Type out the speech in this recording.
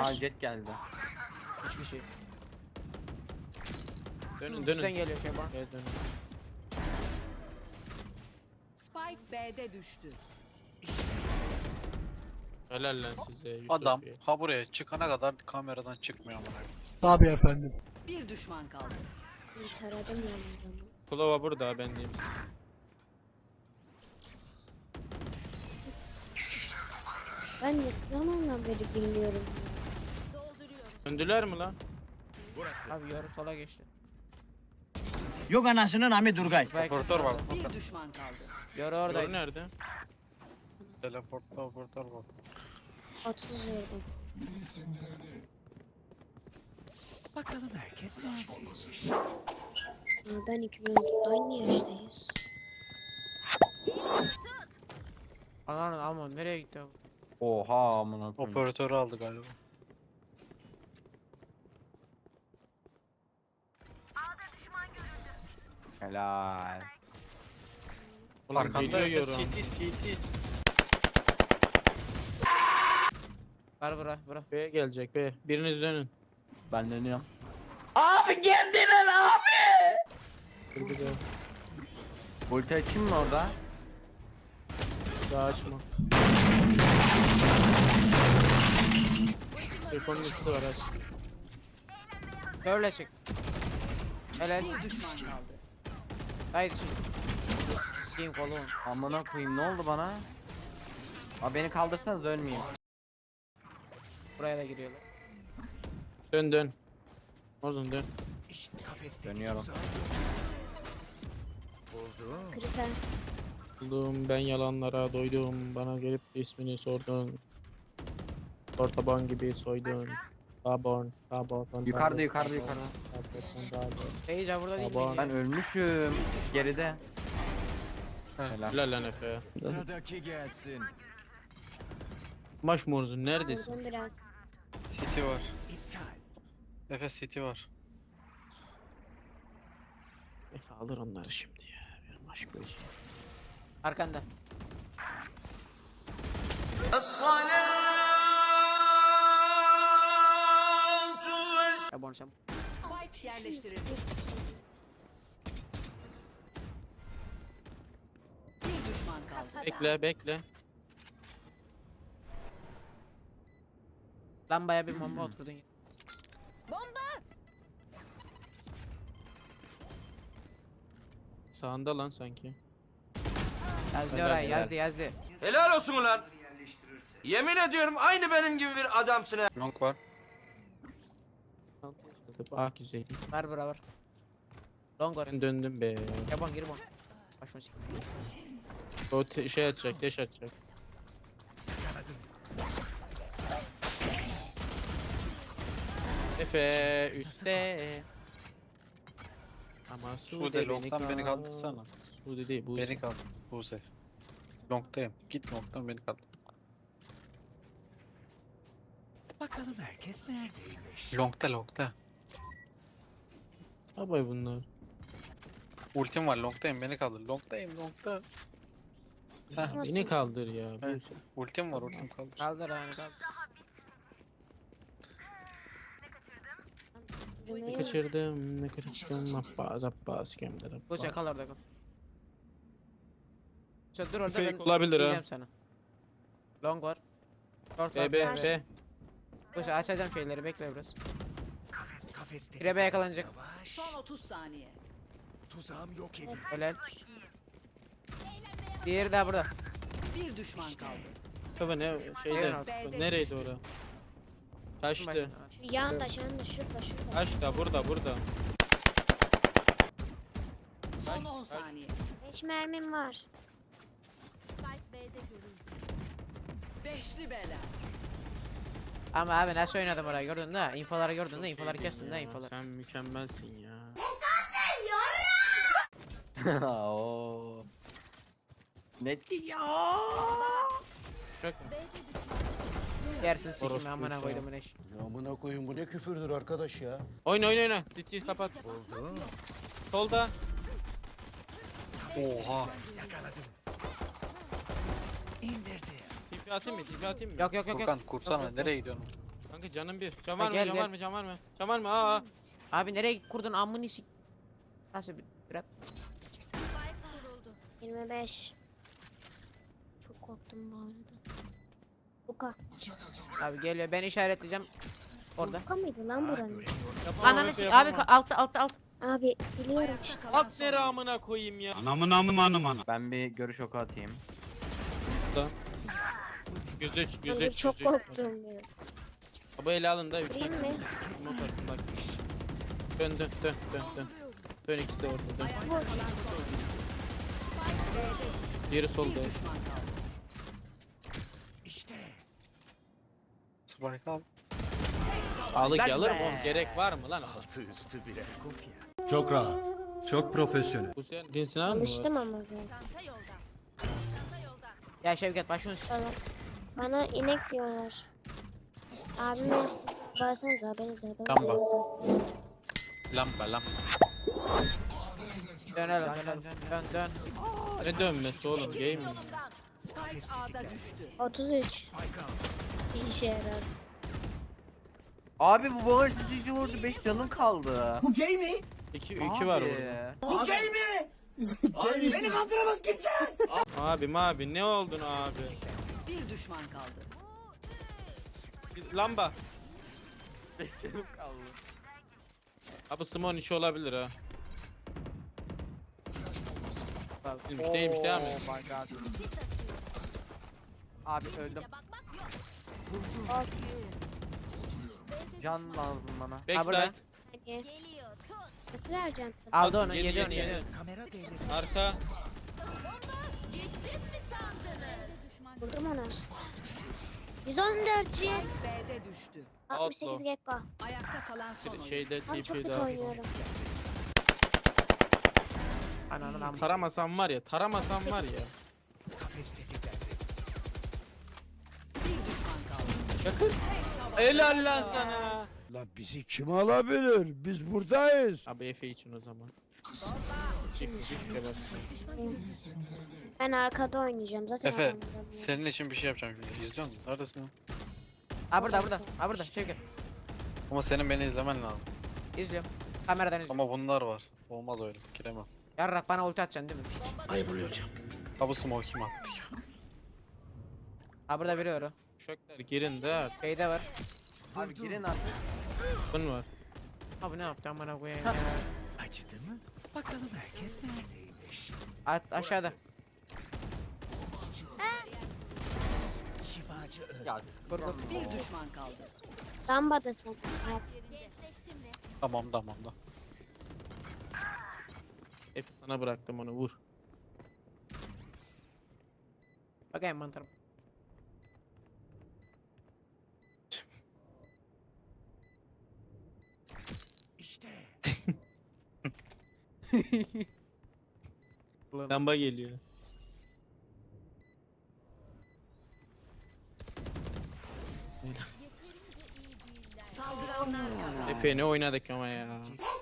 Aa jet geldi. 3 kişi. Dönün Üstten dönün. geliyor şey bana. Evet, dönün. Spike B'de düştü. Helal lan size Yusuf Adam ya. ha buraya çıkana kadar kameradan çıkmıyor amına. Tabii efendim. Bir düşman kaldı. Bir taradım yalnız ama. Kulava burada ben diyeyim. Ben ne zamandan beri dinliyorum. Döndüler mi lan? Abi yarı sola geçti. Yok anasının Ami Durgay. Belki Operatör var. solda. Bir düşman kaldı. Yarı Doğru oradaydı. nerede? Teleportta operatör var. 30 vurdum. Bakalım herkes neredeymiş. Ama ben 2012'de aynı yaştayız. Ananı alma nereye gitti abi? Oha amına koyayım. Operatörü aldı galiba. Helal. Ulan Arkanda biliyorum. CT. Ver bura. B gelecek B. Biriniz dönün. Ben dönüyorum. Dur bir de. Ulti açayım mı orada? Daha açma. Telefonun ikisi var aç. Böyle çık. Helal. Bir düşman kaldı. Haydi şimdi. Kim kolum. Amına koyayım ne oldu bana? Aa beni kaldırsanız ölmeyeyim. Buraya da giriyorlar. Dön. Ozun dön. Dönüyorum. Kriper. Buldum ben yalanlara doydum. Bana gelip ismini sordun. Ortaban gibi soydun. Taborn. Yukarıda. Seyirci burada değil Baba, mi? Ben ölmüşüm. Geride. Helal. Helal lan Efe. Sıradaki gelsin. Maş Morzun neredesin? Vurdum biraz. CT var. İptal. Efes CT var. Efe alır onları şimdi ya. Bir maş koyacağım. Arkanda. Şabon. Spike yerleştirildi. Bir düşman kaldı. Bekle. Lambaya bir bomba oturdun. Sağında lan sanki. Yazdı Helal, orayı helal. yazdı. Helal olsun ulan. Yemin ediyorum aynı benim gibi bir adamsın ha. Long var. Ah güzel. Var bura var. Long var. Ben döndüm be. Şabon gir bon. Başını sik. O şey atacak, deş atacak. Efe üstte. Ama Sude long'tan beni kaldırsana. Sude değil bu. Beni kaldır. Buse. Long'tayım. Git long'tan beni kaldır. Bakalım herkes neredeymiş. Long'ta. Abay bunlar. Ultim var long'tayım beni kaldır. Long'ta. Heh, Nasıl? Beni kaldır ya. Evet. Bu ultim var ultim kaldır. Kaldır yani kaldır. Yürümeyi ne kaçırdım. Abbas kemderim. Bu kal orada kal. Şu dur orada Fake ben olabilir ha. diyeceğim sana. Long var. Short var. B. Koş açacağım şeyleri bekle biraz. Kafeste. Kirebe yakalanacak. Yavaş. Son 30 saniye. Tuzağım yok edildi. Helal. Diğeri de burada. Bir düşman kaldı. Kafa ne şeyde. B'de Nereydi ora? Kaçtı. şu yanda şurada. Kaçtı burada. Son 10 saniye. 5 mermim var. Beşli bela. Ama abi nasıl oynadım orayı gördün de infoları gördün de infoları kestin de infoları. Sen mükemmelsin ya. Oo. Ne diyor? Çok Yersin sikim Orospu amına ya. koydum eş. Ya amına koyun bu ne küfürdür arkadaş ya. oyna. City kapat. Solda. Oha. Yakaladım. İndirdi. TP atayım mı? Yok. Furkan kursana nereye gidiyorsun? Kanka canım bir. Can var mı? gel, Can gel. var mı? Can var mı? Can var mı? Aa. Abi nereye kurdun amını sik. Nasıl bir rap? 25. Çok korktum bu arada. Buka. Abi geliyor ben işaretleyeceğim. Orada. Buka mıydı lan buranın? Ananı sik abi altta. Abi biliyorum işte. At ne amına koyayım ya. Ben bir görüş oku atayım. Gözeç Abi gözeç çok gözeç. korktum ya. Bu ele alın da 3 Değil mi? motor bak. Dön dön dön dön dön. Dön ikisi de orada dön. Diğeri solda. Bir düşman kaldı. İşte Spike al. Alık Lan alırım be. oğlum. Gerek var mı lan? altı üstü birer kopya. Çok rahat. Çok profesyonel. Bu senin dinsin abi mi var? Alıştım ama zaten. Ya Şevket başını Sana. Bana inek diyorlar. Abime siz bağırsanıza haberiniz var. Tamam. Lamba lamba. dönelim dön. Ne dönmesi oğlum? Game mi? Spike A'da düştü. 33. Spike al. Bir işe yarar. Abi bu bana sizi vurdu 5 canım kaldı. 2 var burada. Abi ne oldun abi? Bir düşman kaldı. Lamba. 5 canım kaldı. Abi Simon işi olabilir ha. Değilmiş değilmiş devam et. Oh my god. Abi öldüm. Can lazım bana. Backside. burada. Hani. Nasıl vereceğim sana? Aldı onu Yedi, yedi onu yedi, yedi. Kamera devre. Arka. Vurdum ona. 114 jet. B'de düştü. 68 gekko. Ayakta kalan son oyun. Şeyde Abi çok TP'de kötü abi. oynuyorum. Ananın amı. Taramasam var ya. Taramasam var ya. Kafes tetiklendi. Bir düşman kaldı. Yakın. Helal lan sana. La bizi kim alabilir? Biz buradayız. Abi Efe için o zaman. Çık versin. Ben arkada oynayacağım. Zaten Efe adam vuramıyor. senin için bir şey yapacağım şimdi. İzliyor musun? Neredesin lan? Ha burada Şevket. Ama senin beni izlemen lazım. İzliyorum. Kameradan izliyorum. Ama bunlar var. Olmaz öyle. Giremem. Yarrak bana ulti atacaksın değil mi? Ayıp oluyor hocam. Ha bu smoke kim attı ya? Ha burada biri var o. Şökler girin de. Şeyde var. Abi girin artık. Bun var. Abi ne yaptı amına koyayım ya. Acıdı mı? Bakalım herkes neredeymiş. Aşağıda. Şifacı öldü. Ya Vur. Bir düşman kaldı. Lambadasın. Abi. Tamam da. Efe sana bıraktım onu vur. Bakayım mantarım. İşte Lamba geliyor. Saldıranlar kazandı. Efe ne oynadık ama ya.